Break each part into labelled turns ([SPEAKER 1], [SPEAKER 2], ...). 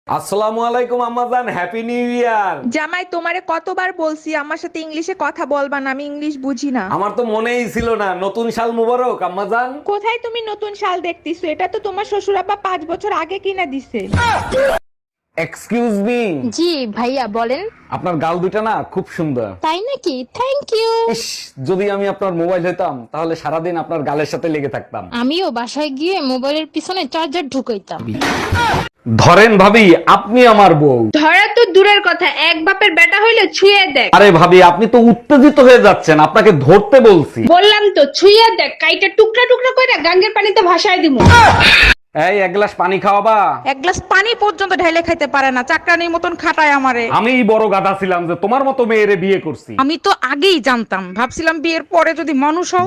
[SPEAKER 1] আসসালামু আলাইকুম আম্মাজান, হ্যাপি নিউ ইয়ার।
[SPEAKER 2] জামাই, তোমারে কতবার বলছি আমার সাথে ইংলিশে কথা বলবা না, আমি ইংলিশ বুঝি না।
[SPEAKER 1] আমার তো মনেই ছিল না। নতুন সাল মুবারক আম্মাজান।
[SPEAKER 2] কোথায় তুমি নতুন শাল দেখতেছো? এটা তো তোমার শ্বশুর আব্বা 5 বছর আগে কিনা দিছে।
[SPEAKER 1] Excuse me.
[SPEAKER 3] জি ভাইয়া বলেন।
[SPEAKER 1] আপনার গাল দুটা না খুব সুন্দর।
[SPEAKER 3] তাই নাকি? Thank you.
[SPEAKER 1] ইস, যদি আমি আপনার মোবাইল হতাম তাহলে সারাদিন আপনার গালের সাথে লেগে থাকতাম।
[SPEAKER 3] আমিও বাসায় গিয়ে মোবাইলের পিছনে চার্জার ঢুকাইতাম।
[SPEAKER 1] ধরেন ভাবি, আপনি আমার বউ।
[SPEAKER 2] ধরা তো দূরের কথা, এক বাপের বেটা হইলে ছুঁয়ে দেখ।
[SPEAKER 1] আরে ভাবি, আপনি তো উত্তেজিত হয়ে যাচ্ছেন, আপনাকে ধরতে বলছি।
[SPEAKER 2] বললাম তো ছুঁয়ে দেখ, কাইটা টুকরা টুকরা কইরা গাঙ্গের পানিতে ভাসায় দিমু।
[SPEAKER 1] এই এক গ্লাস পানি খাওয়াবা?
[SPEAKER 2] এক গ্লাস পানি পর্যন্ত ঢাইলে খাইতে পারে না, চাকরানির মতন খাটায় আমারে।
[SPEAKER 1] আমিই বড় গাধা ছিলাম যে তোমার মতো মেয়েরে বিয়ে করছি।
[SPEAKER 2] আমি তো আগেই জানতাম, ভাবছিলাম বিয়ের পরে যদি মানুষ হও।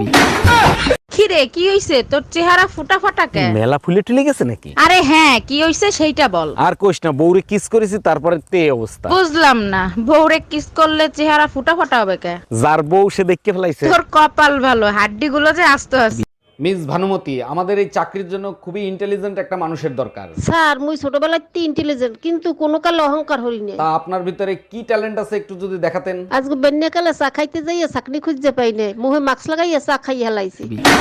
[SPEAKER 2] খিরে কি হইছে তোর? চেহারা ফুটা ফাটা কে?
[SPEAKER 1] মেলা ফুলে টুলে গেছে নাকি?
[SPEAKER 2] আরে হ্যাঁ, কি হইছে সেইটা বল।
[SPEAKER 1] আর কোশ না, বউরে কিস করেছি তারপরে তে অবস্থা।
[SPEAKER 2] বুঝলাম না, বউরে কিস করলে চেহারা ফুটা ফাটা হবে কে?
[SPEAKER 1] যার বউ সে দেখতে ফেলাইছে।
[SPEAKER 2] তোর কপাল ভালো, হাড্ডি গুলো যে আস্ত আছে।
[SPEAKER 1] মিস ভানুমতি, আমাদের এই চাকরির জন্য খুবই ইন্টেলিজেন্ট একটা মানুষের দরকার।
[SPEAKER 4] স্যার মুই ছোটবেলায় ইন্টেলিজেন্ট কিন্তু কোনো কালে অহংকার হই না।
[SPEAKER 1] তা আপনার ভিতরে কি ট্যালেন্ট আছে একটু যদি দেখাতেন।
[SPEAKER 4] আজকে বেন্যাকালে চা খাইতে যাইয়া চাকরি খুঁজতে পাই না, মুহে মাস্ক লাগাইয়া চা খাই হেলাইছি।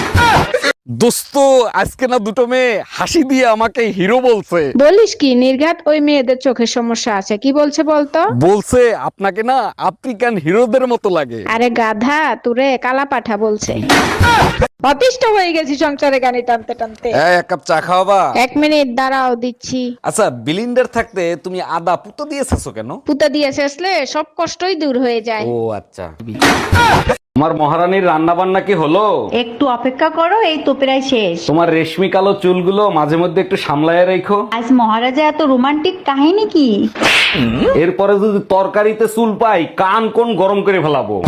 [SPEAKER 1] দোস্ত, আজকে না দুটো মেয়ে হাসি দিয়ে আমাকে হিরো বলছে।
[SPEAKER 5] বলিস কি নির্ঘাত? ওই মেয়েদের চোখের সমস্যা আছে। কি বলছে বলতো?
[SPEAKER 1] বলছে আপনাকে না আফ্রিকান হিরোদের মতো লাগে।
[SPEAKER 5] আরে গাধা, তুরে কালা পাঠা বলছে। অতিষ্ঠ হয়ে গেছি সংসারে গানি টানতে টানতে।
[SPEAKER 1] এক কাপ চা খাওয়াবা?
[SPEAKER 5] 1 মিনিট দাঁড়াও, দিচ্ছি।
[SPEAKER 1] আচ্ছা, বিলিন্ডার থাকতে তুমি আদা পুতো দিয়েছো কেন?
[SPEAKER 5] পুতা দিয়ে শেষলে সব কষ্টই দূর হয়ে যায়।
[SPEAKER 1] ও আচ্ছা। তোমার মহারানীর রান্না বান্না কি হলো?
[SPEAKER 6] একটু অপেক্ষা করো, এই তো প্রায় শেষ।
[SPEAKER 1] তোমার রেশমি কালো চুলগুলো মাঝে মধ্যে একটু সামলায় রেখো।
[SPEAKER 6] আজ মহারাজা এত রোমান্টিক কাহিনী কি?
[SPEAKER 1] এরপরে যদি তরকারিতে চুল পাই, কান কোন গরম করে ফেলাবো।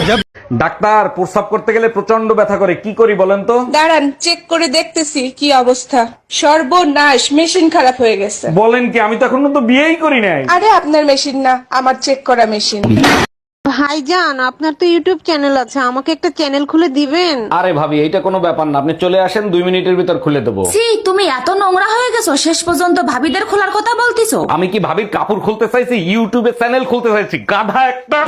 [SPEAKER 1] ডাক্তার, প্রস্রাব করতে গেলে প্রচন্ড ব্যথা করে, কি করি বলেন তো?
[SPEAKER 7] দাঁড়ান, চেক করে দেখতেছি কি অবস্থা। সর্বনাশ, মেশিন খারাপ হয়ে গেছে।
[SPEAKER 1] বলেন কি? আমি তো এখনো তো বিয়েই করি নাই।
[SPEAKER 7] আরে আপনার মেশিন না, আমার চেক করা মেশিন।
[SPEAKER 4] ভাইজান, আপনার তো ইউটিউব চ্যানেল আছে, আমাকে একটা চ্যানেল খুলে দিবেন?
[SPEAKER 1] আরে ভাবি, এইটা কোনো ব্যাপার না, আপনি চলে আসেন, 2 মিনিটের ভিতর খুলে দেবো।
[SPEAKER 8] তুমি এত নোংরা হয়ে গেছো, শেষ পর্যন্ত ভাবিদের খোলার কথা বলতিছো?
[SPEAKER 1] আমি কি ভাবির কাপড় খুলতে চাইছি? ইউটিউবে চ্যানেল খুলতে চাইছি, গাধা একটা।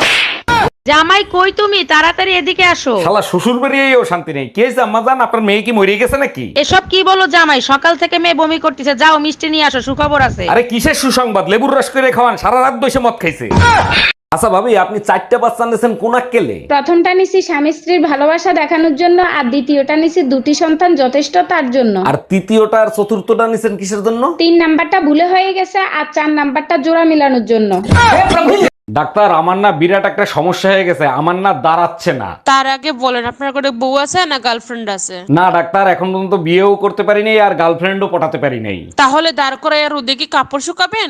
[SPEAKER 2] জামাই কই তুমি? তাড়াতাড়ি এদিকে আসো।
[SPEAKER 1] শালা শ্বশুর বাড়িয়েও শান্তি নেই। কি হয়েছে আম্মাজান, আপনার মেয়ে কি মরে গেছে নাকি?
[SPEAKER 2] এসব কি বলো জামাই? সকাল থেকে মেয়ে বমি করতেছে, যাও মিষ্টি নিয়ে আসো, সুখবর আছে।
[SPEAKER 1] আরে কিসের সুসংবাদ? লেবুর রস করে খাওয়ান, সারা রাত বসে মদ খাইছে। আচ্ছা ভাবি, আপনি 4টা বাচ্চা নিয়েছেন কোন আক্কেলে?
[SPEAKER 5] প্রথমটা নিছি স্বামী স্ত্রীর ভালোবাসা দেখানোর জন্য, আর দ্বিতীয়টা নিছি 2টি সন্তান যথেষ্ট তার জন্য।
[SPEAKER 1] আর তৃতীয়টা আর চতুর্থটা নিছেন কিসের জন্য?
[SPEAKER 5] 3 নাম্বারটা ভুলে হয়ে গেছে, আর 4 নাম্বারটা জোড়া মিলানোর জন্য।
[SPEAKER 1] ডাক্তার, আমার না বিরাট একটা সমস্যা হয়ে গেছে, আমার না দাঁড়াচ্ছে না।
[SPEAKER 9] তার আগে বলেন, আপনার করে বউ আছে না গার্লফ্রেন্ড আছে?
[SPEAKER 1] না ডাক্তার, এখন পর্যন্ত বিয়েও করতে পারি নাই আর গার্লফ্রেন্ডও পটাতে পারি নাই।
[SPEAKER 9] তাহলে দাঁড় করে আর ওদিকে কি কাপড় শুকাবেন?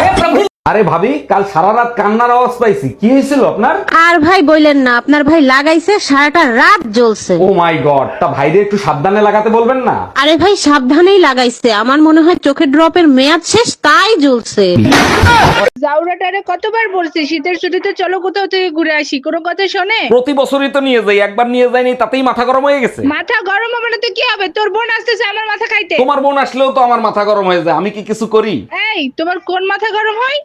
[SPEAKER 1] আরে ভাবি, কাল সারা রাত কান্নার আওয়াজ পাইছি, কি হয়েছিল আপনার?
[SPEAKER 4] আর ভাই বললেন না, আপনার ভাই লাগাইছে সারাটা রাত জ্বলছে।
[SPEAKER 1] ও মাই গড, তা ভাইরে একটু সাবধানে লাগাতে বলবেন না?
[SPEAKER 4] আরে ভাই সাবধানেই লাগাইছে, আমার মনে হয় চোখের ড্রপের মেয়াদ শেষ, তাই জ্বলছে।
[SPEAKER 5] জাউরাটারে কতবার বলছি শীতের ছুটিতে চলো কোথাও থেকে ঘুরে আসি, কোনো কথা শোনে?
[SPEAKER 1] প্রতি বছরই তো নিয়ে যাই, একবার নিয়ে যাইনি তাতেই মাথা গরম হয়ে গেছে।
[SPEAKER 5] মাথা গরম হবে না তো কি হবে? তোর বোন আসতেছে আমার মাথা খাইতে।
[SPEAKER 1] তোমার বোন আসলেও তো আমার মাথা গরম হয়ে যায়, আমি কি কিছু করি?
[SPEAKER 5] এই, তোমার কোন মাথা গরম হয়?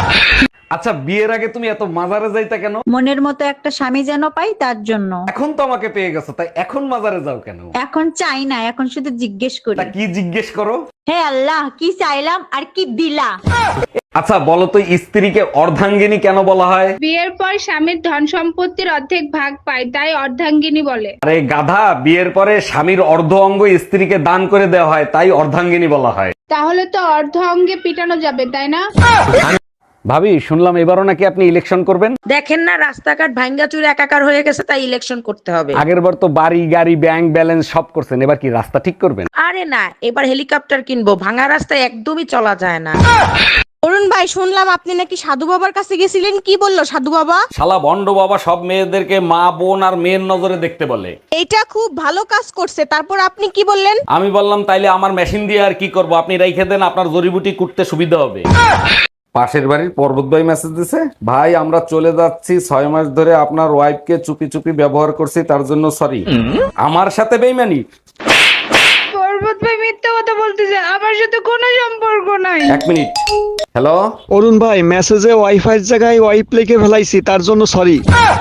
[SPEAKER 1] আচ্ছা, বিয়ের আগে তুমি এত মাজারে যাইতা কেন?
[SPEAKER 6] মনের মতো একটা স্বামী যেন পাই, তার জন্য।
[SPEAKER 1] এখন তো আমাকে পেয়ে গেছো, তাই এখন মাজারে যাও কেন?
[SPEAKER 6] এখন চাই না, এখন শুধু জিজ্ঞেস করি,
[SPEAKER 1] তা কি জিজ্ঞেস করো?
[SPEAKER 6] হে আল্লাহ, কি চাইলাম আর কি দিলা?
[SPEAKER 1] আচ্ছা বলো তো, স্ত্রীকে অর্ধাঙ্গিনী কেন বলা হয়?
[SPEAKER 5] বিয়ের পর স্বামীর ধন সম্পত্তির অর্ধেক ভাগ পায়, তাই অর্ধাঙ্গিনী বলে।
[SPEAKER 1] আরে গাধা, বিয়ের পরে স্বামীর অর্ধ অঙ্গ স্ত্রীকে দান করে দেওয়া হয়, তাই অর্ধাঙ্গিনী বলা হয়।
[SPEAKER 5] তাহলে তো অর্ধ অঙ্গে পিটানো যাবে, তাই না?
[SPEAKER 1] ভাবি, শুনলাম এবারও নাকি আপনি ইলেকশন করবেন।
[SPEAKER 2] দেখেন না রাস্তাঘাট ভাঙ্গা চুরে একাকার হয়ে গেছে, তাই ইলেকশন করতে হবে।
[SPEAKER 1] আগের বার তো বাড়ি গাড়ি ব্যাংক ব্যালেন্স সব করছেন, এবার কি রাস্তা ঠিক করবেন?
[SPEAKER 2] আরে না, এবার হেলিকপ্টার কিনবো, ভাঙা রাস্তায় একদমই চলা যায় না।
[SPEAKER 3] অরুণ ভাই, শুনলাম আপনি নাকি সাধু বাবার কাছে গেছিলেন, কি বললো সাধু বাবা?
[SPEAKER 1] শালা ভন্ড বাবা সব মেয়েদেরকে মা বোন আর মেয়ের নজরে দেখতে বলে।
[SPEAKER 3] এইটা খুব ভালো কাজ করছে, তারপর আপনি কি বললেন?
[SPEAKER 1] আমি বললাম তাইলে আমার মেশিন দিয়ে আর কি করব, আপনি রাইখে দেন, আপনার জড়িবুটি কুটতে সুবিধা হবে। পাশের বাড়ির পর্বত ভাই মেসেজ দিছে, ভাই আমরা চলে যাচ্ছি, 6 মাস ধরে আপনার ওয়াইফকে চুপি চুপি ব্যবহার করছি, তার জন্য সরি। আমার সাথে বেইমানি?
[SPEAKER 5] পর্বত ভাই মিথ্যা কথা বলতেছে, আমার সাথে কোনো সম্পর্ক নাই।
[SPEAKER 1] 1 মিনিট। হ্যালো,
[SPEAKER 10] অরুণ ভাই, মেসেজে ওয়াইফাই জায়গায় ওয়াইপ লিখে ফেলাইছি, তার জন্য সরি।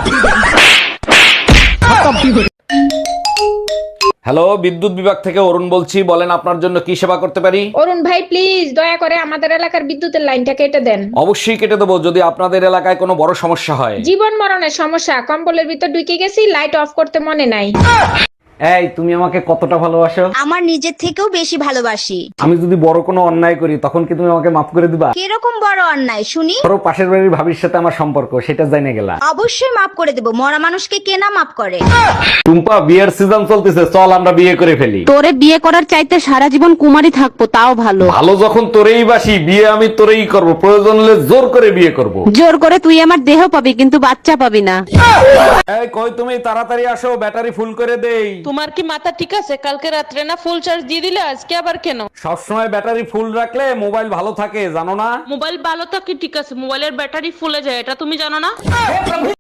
[SPEAKER 1] হ্যালো, বিদ্যুৎ বিভাগ থেকে অরুণ বলছি, বলেন আপনার জন্য কি সেবা করতে পারি?
[SPEAKER 5] অরুণ ভাই প্লিজ দয়া করে আমাদের এলাকার বিদ্যুতের লাইনটা কেটে দেন।
[SPEAKER 1] অবশ্যই কেটে দেবো, যদি আপনাদের এলাকায় কোনো বড় সমস্যা হয়।
[SPEAKER 5] জীবন মরণের সমস্যা, কম্বলের ভিতর ঢুকে গেছি, লাইট অফ করতে মনে নাই।
[SPEAKER 1] এই, তুমি আমাকে কতটা ভালোবাসো?
[SPEAKER 3] আমার নিজের থেকেও বেশি ভালোবাসি।
[SPEAKER 1] আমি যদি বড় কোনো অন্যায় করি তখন কি তুমি আমাকে মাফ করে দিবা?
[SPEAKER 3] কিরকম বড় অন্যায় শুনি?
[SPEAKER 1] ধরো পাশের বাড়ির ভাবির সাথে আমার সম্পর্ক, সেটা জানে গেলা।
[SPEAKER 3] অবশ্যই মাফ করে দেব, মরা মানুষকে কে না মাফ করে?
[SPEAKER 1] টুম্পা, বিয়ের সিজন চলতেছে, চল আমরা বিয়ে করে ফেলি।
[SPEAKER 4] তোরে বিয়ে করার চাইতে সারা জীবন কুমারী থাকবো তাও ভালো।
[SPEAKER 1] ভালো যখন তোরেই বাসি, বিয়ে আমি তোরেই করব, প্রয়োজন হলে জোর করে বিয়ে করব।
[SPEAKER 4] জোর করে তুই আমার দেহ পাবি কিন্তু বাচ্চা পাবি না।
[SPEAKER 1] এই কই তুমি, তাড়াতাড়ি আসো, ব্যাটারি ফুল করে দেই।
[SPEAKER 9] তোমার কি মাথা ঠিক আছে? কালকে রাত্রে না ফুল চার্জ দিয়ে দিলে, আজকে আবার কেন?
[SPEAKER 1] সবসময় ব্যাটারি ফুল রাখলে মোবাইল ভালো থাকে, জানো না?
[SPEAKER 9] মোবাইল ভালো থাকে ঠিক আছে, মোবাইলের ব্যাটারি ফুলে যায়, এটা তুমি জানো না?